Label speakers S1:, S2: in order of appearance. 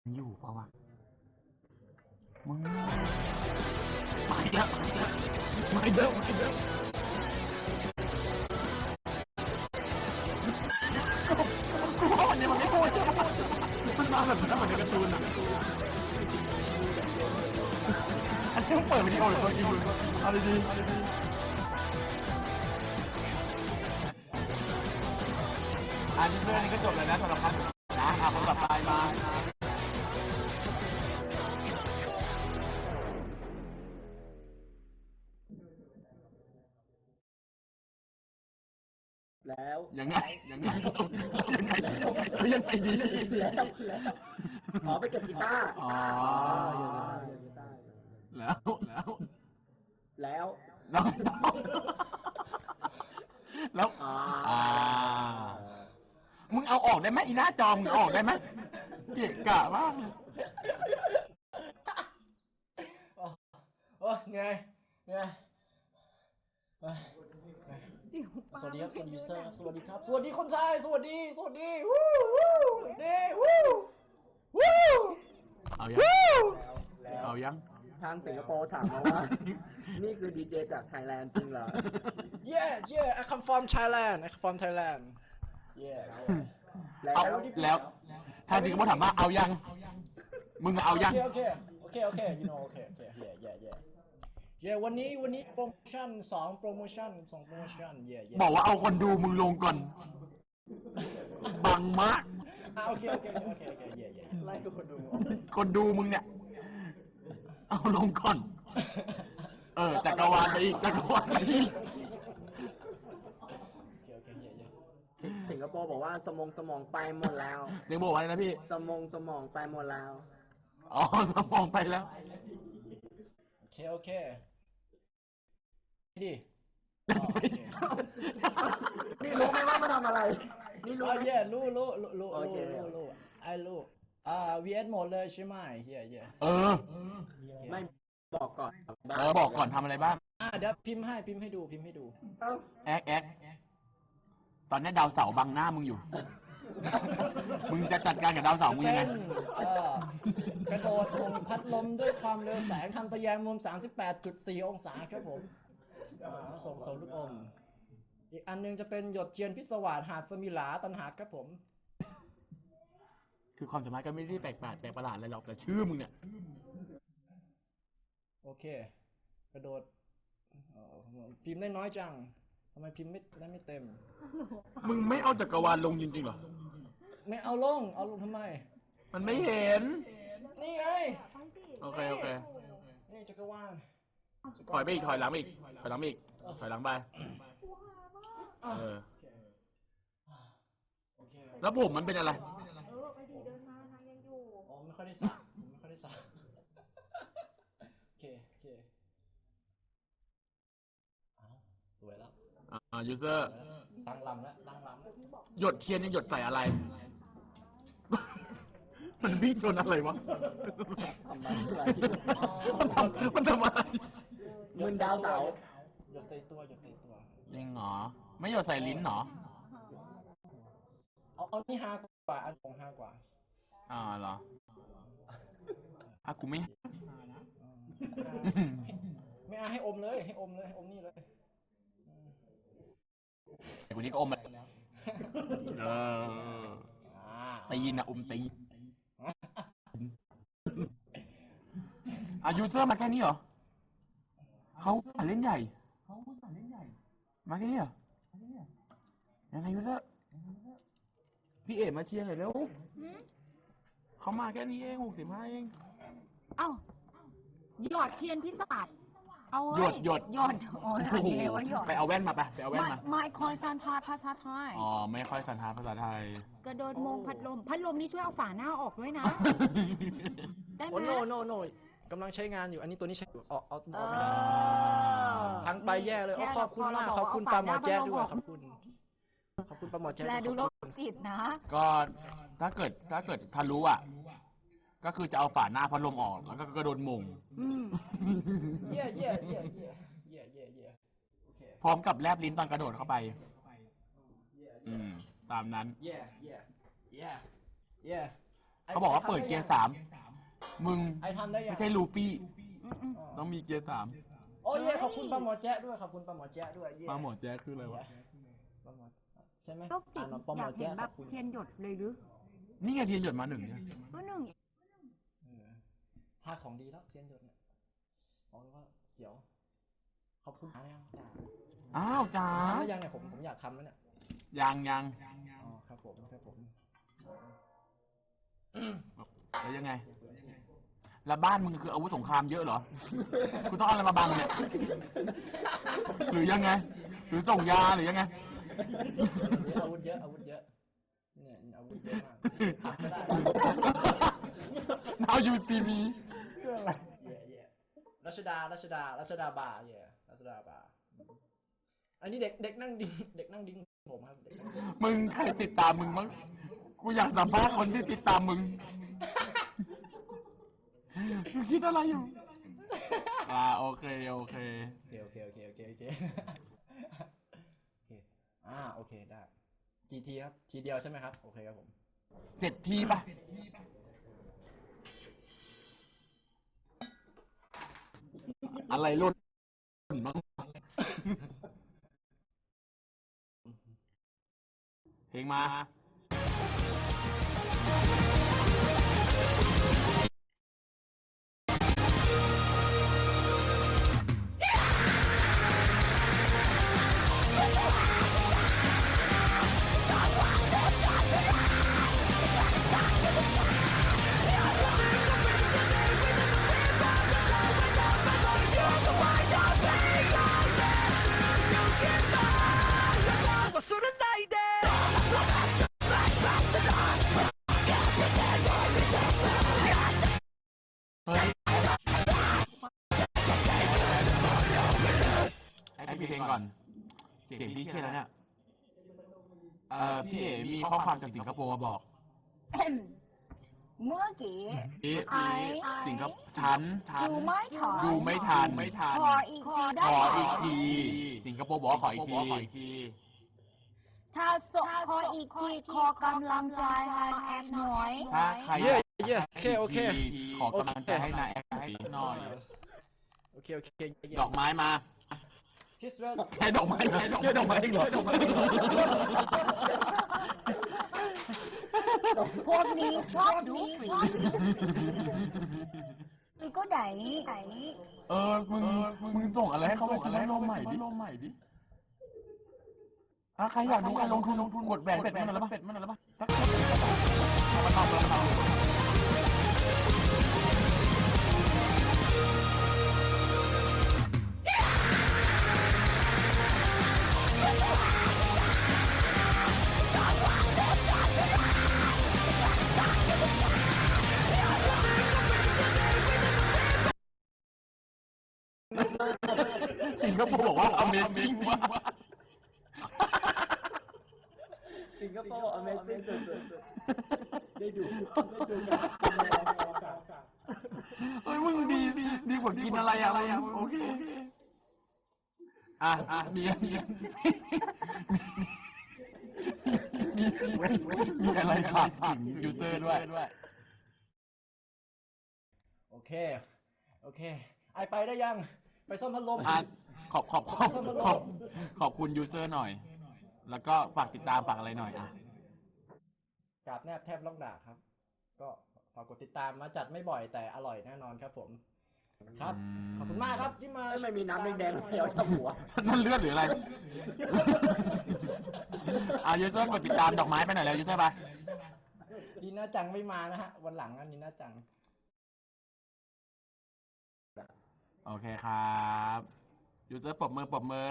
S1: อยู่เปล่าวะมึงไปแล้วไม่เด้อกูว่าวันนี้มันไม่พูดใช่ไหมมันมาแบบนั้นเหมือนในการ์ตูนอ่ะอันนี้มึงเปิดวิดีโอหรือตัวจริงมึงเอาดีๆอันนี้เรื่องนี้ก็จบแล้วนะสำหรับพันนะคนต่อไปมา
S2: แล้ว
S1: ยังไงยังไงดี
S2: ขอไปเก็บกีตาร์
S1: อ๋อแล้วมึงเอาออกได้ไหมอีหน้าจอมึงออกได้ไหมเกะกะมาก
S3: โอ้ไงสวัสดีครับสวัสดียูเซอร์ครับสวัสดีครับสวัสดีคนไทยสวัสดีวู้
S1: เอายัง
S2: ทางสิงคโปร์ถามมาว่านี่คือดีเจจากไทยแลนด์จริงเหรอ
S3: Yeah I come from Thailand Yeah
S1: แล้วถ้าสิงคโปร์ถามว่าเอายังมึงเอายัง
S3: โอเค you know โอเค Yeah วันนี้โปรโมชั่น2โปรโมชั่นYeah
S1: บอกว่าเอาคนดูมึงลงก่อนบังมาก
S3: โอเค Yeah ไล่
S1: คนดูมึงเนี่ยเอาลงก่อนจักรวาลไปอีก
S3: โอเค
S2: สิงคโปร์บอกว่าสมองไปหมดแล้ว
S1: ยังบอกว่าอะไรนะพี่
S2: สมองไปหมดแล้ว
S1: อ๋อสมองไปแล้ว
S3: โอเคดิ
S2: นี่รู้ไหมว่ามาทำอะไรนี่รู้ไหม
S3: รู้ไอ้รู้VS หมดเลยใช่ไหมเฮีย
S2: ไม่บอกก่อน
S1: บอกก่อนทำอะไรบ้าง
S3: เดี๋ยวพิมพ์ให้ดู
S1: แอ๊กตอนนี้ดาวเสาร์บังหน้ามึงอยู่มึงจะจัดการกับดาวเสาร์มึงยังไง
S3: กระโดดลงพัดลมด้วยความเร็วแสงทำทะแยงมุม 38.4 องศาครับผมส่งลูกอมอีกอันนึงจะเป็นหยดเทียนพิศวาสหาดสมิลาตันหาครับผม
S1: คือความสามารถก็ไม่ได้แปลกประหลาดอะไรหรอกแต่ชื่อมึงเนี่ย
S3: โอเคกระโดดพิมพ์ได้น้อยจังทำไมพิมพ์ไม่เต็ม
S1: มึงไม่เอาจักรวาลลงจริงๆหรอ
S3: ไม่เอาลงทำไม
S1: มันไม่เห็น
S3: นี่ไง
S1: โอเค
S3: นี่จักรวาล
S1: ถอยไปอีกถอยหลังไป
S3: ไป
S1: แล้วผมมันเป็นอะไร
S4: ไปดีเดินมาทางยังอยู่
S3: ไม่ค่อยได้สระโอเคสวยแล้ว
S1: ยูเซอร์
S3: ตั้งลำแล้ว
S1: หยดเทียนนี่หยดใส่อะไรมันวิ่งชนอะไรวะมันทำอะไร
S2: มึนดาวเสา
S3: หยดใส่ตัว
S1: จริงเหรอไม่หยดใส่ลิ้นเหรอ
S3: เอานี่5 กว่าอันของ5 กว่า
S1: เหรอกูไม่
S3: ให้อมเลยให้อมนี่เลย
S1: ไอ้คนนี้ก็อมมาแล้วตีนนะตียูเซอร์มาแค่นี้เหรอเขาเล่นใหญ่มาแค่นี้เหรอยังไงยูเซอร์พี่เอ๋มาเชียร์หน่อยเร็วเขามาแค่นี้เอง65เอง
S4: หยอดเทียนพิศวาส
S1: หยดไปเอาแว่นมาไปเอาแว่นมา
S4: ไม่ค่อยสันทัดภาษาไทย
S1: ไม่ค่อยสันทัดภาษาไทย
S4: กระโดดมงพัดลมนี่ช่วยเอาฝาหน้าออกด้วยนะได้ไหม
S3: โนกำลังใช้งานอยู่อันนี้ตัวนี้ใช้เอาออกไม่ได้พังไปแย่เลยขอบคุณมากขอบคุณปาหมอแจ๊ดด้วยขอบคุณปาหมอแจ๊ด
S4: ดูโรคจิตนะ
S1: ก็ถ้าเกิดทะลุก็คือจะเอาฝาหน้าพัดลมออกแล้วก็กระโดดมง
S3: เย่
S1: พร้อมกับแลบลิ้นตอนกระโดดเข้าไปตามนั้นเขาบอกว่าเปิดเกียร์ 3 มึง
S3: ไอทำได้ยัง
S1: ไม่ใช่ลูฟี่
S4: อืมอืม
S1: ต้องมีเกียร์ 3
S3: โอ้ยเย่ขอบคุณปลาหมอแจ๊ะด้วยขอบคุณปลาหมอแจ๊ะด้วยเย่
S1: มาหมดแจ๊คคืออะไรวะ
S3: ปลาหมอใช่ไหม
S4: โรคจิต
S3: ปลาห
S4: อ
S3: มอย
S4: ากเห็
S3: แจ๊ะ
S4: น
S3: ข
S4: แบ
S3: อ
S4: บบ
S3: คุณ
S4: เทียนหยดเลยหรือ
S1: นี่ไงเทียนหยดมา 1เนี่ย
S4: ก็หนึ่ง
S3: ภาคของดีแล้วเทียนหยดเนี่ยบอกเลยว่าเสียวขอบคุณนะยังจ้า
S1: อ้าวจ้า
S3: ทำได้ยังเนี่ยผมอยากทำแล้วเนี่ย
S1: ยัง
S3: อ๋อครับผมครับผม
S1: แล้วยังไง แล้วบ้านมึงคืออาวุธสงครามเยอะเหรอ กูต้องเอาอะไรมาบังเนี่ย หรือยังไง หรือส่งยาหรือยังไง
S3: อาวุธเยอะอาวุธเยอะเนี่ยอาวุธเยอะมากผักก็ได้
S1: Now you see me
S3: เย่รัชดาบาร์เย่รัชดาบาร์อันนี้เด็กนั่งดิ้งผมครับเด็กนั่งดิ้ง
S1: มึงใครติดตามมึงมั้งกูอยากสัมภาษณ์คนที่ติดตามมึง มึงคิดอะไรอยู่ โอเค
S3: โอเคโอเคได้กี่ทีครับทีเดียวใช่ไหมครับโอเคครับผม
S1: 7 ทีป่ะ อะไรรุ่นมั้งเพลงมา เฮ้ยให้พี่เพลงก่อน เสียงพี่เครียดแล้วเนี่ย พี่เอ๋มีข้อความจากสิงคโปร์มาบอก
S4: เมื่อกี้
S1: สิงคโปร์ฉัน
S4: ดูไม่ทัน
S1: ดูไม่ทัน
S4: ขออีกทีได้
S1: ขอ
S4: ไหม
S1: อีกที สิงคโปร์บอกว่าขออีกที
S4: ถ้าส่งขออีกทีขอกำลังใจให้แอดหน่อย
S1: ถ้าใคร
S3: เย่โอเค
S1: ขอกำลังใจให้นายแอคให้หน่อย
S3: โอเค
S1: ดอกไม้มา
S3: คิสเวส
S1: แค่ดอกไม้เองเหรอ
S4: พวกนี้ชอบดูฟรีมันก็ไหน
S1: มึงส่งอะไรให้เขาไปซื้อพัดลมใหม่ดิใครอยากดูการลงทุนกดแหวนเป็ดมันอะไรบ้างสักเอามาทำสิงคโปร์บอกว่า Amazing มาก
S2: สิงคโปร์ Amazing สุดๆได้ดู
S1: เฮ้ยมึงดีกว่ากินอะไรโอเคมีอะไรฝากถึงยูเซอร์ด้วย
S3: โอเคไอไปได้ยังไปซ่อมพัดลม
S1: ขอบคุณยูเซอร์หน่อย แล้วก็ฝากติดตามฝากอะไรหน่อย
S3: กราบแนบแทบล่องด่าครับ ก็ฝากกดติดตามมาจัดไม่บ่อยแต่อร่อยแน่นอนครับผมครับขอบคุณมากครับที่มา
S2: ไม่มีน้ำแดงๆเดียวชับหัว
S1: นั่นเลือดหรืออะไรยูเซอร์กดติดตามดอกไม้ไปหน่อยแล้วยูเซอร์ไป
S3: นีน่าจังไม่มานะฮะวันหลังนีน่าจัง
S1: โอเคครับยูเซอร์ปรบมือ